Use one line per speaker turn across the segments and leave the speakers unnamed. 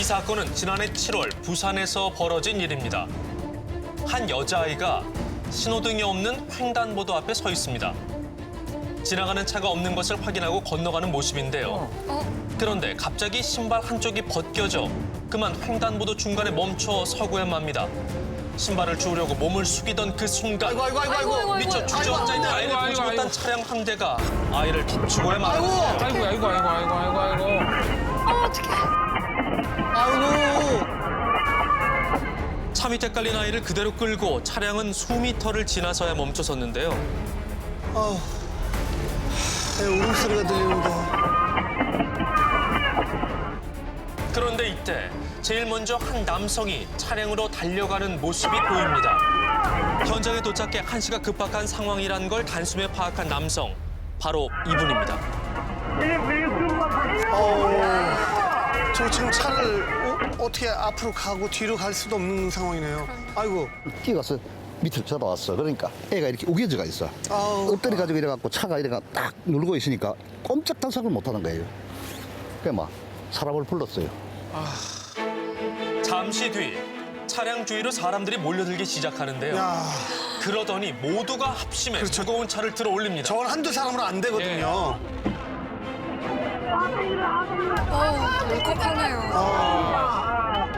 이 사건은 지난해 7월 부산에서 벌어진 일입니다. 한 여자아이가 신호등이 없는 횡단보도 앞에 서 있습니다. 지나가는 차가 없는 것을 확인하고 건너가는 모습인데요. 그런데 갑자기 신발 한쪽이 벗겨져 그만 횡단보도 중간에 멈춰 서고야 맙니다. 신발을 주우려고 몸을 숙이던 그 순간
아이고.
미처 주저앉아 있는 아이를 보지 못한 차량 한 대가 아이를 비추고야 맙니다.
아이고.
아이고.
차 밑에 깔린 아이를 그대로 끌고 차량은 수미터를 지나서야 멈춰섰는데요.
내 울음소리가 들리는데.
그런데 이때 제일 먼저 한 남성이 차량으로 달려가는 모습이 보입니다. 현장에 도착해 한시가 급박한 상황이란 걸 단숨에 파악한 남성, 바로 이분입니다.
저 지금 차를 어떻게 앞으로 가고 뒤로 갈 수도 없는 상황이네요. 아이고.
뛰어가서 밑으로 쳐다왔어. 그러니까 애가 이렇게 우겨져가 있어.
아우.
엎드려 가지고 이래갖고 차가 이래가 딱 누르고 있으니까 꼼짝 단속을 못 하는 거예요. 그래 막 사람을 불렀어요.
잠시 뒤 차량 주위로 사람들이 몰려들기 시작하는데요.
야,
그러더니 모두가 합심해
그렇죠.
무거운 차를 들어 올립니다.
저건 한두 사람으로 안 되거든요.
울컥하네요.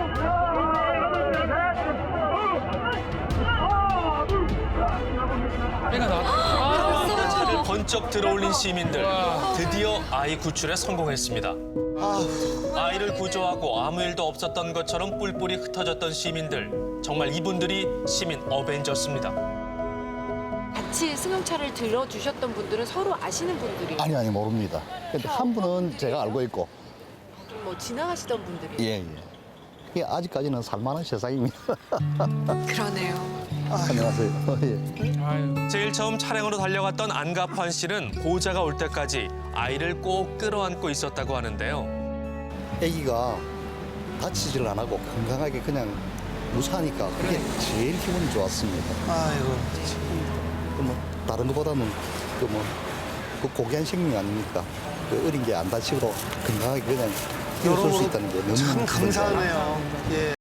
애가 나왔다.
차를 번쩍 들어올린 시민들. 드디어 아이 구출에 성공했습니다. 아이를 구조하고 아무 일도 없었던 것처럼 뿔뿔이 흩어졌던 시민들. 정말 이분들이 시민 어벤져스입니다.
같이 승용차를 들어주셨던 분들은 서로 아시는 분들이
아니 모릅니다. 근데 한 분은 제가 알고 있고
뭐 지나가시던 분들이
예. 이게 아직까지는 살만한 세상입니다.
그러네요.
안녕하세요. 예.
아유.
제일 처음 차량으로 달려갔던 안갑환 씨는 보호자가 올 때까지 아이를 꼭 끌어안고 있었다고 하는데요.
아기가 다치질 안 하고 건강하게 그냥 무사하니까 그게 제일 기분이 좋았습니다.
아이고.
뭐 다른 것보다는 그 고귀한 생명 아닙니까? 그 어린 게 안 다치고 건강하게 그냥 뛰어설 수 있다는 게 너무
참
기분이 좋아요.
감사하네요. 예.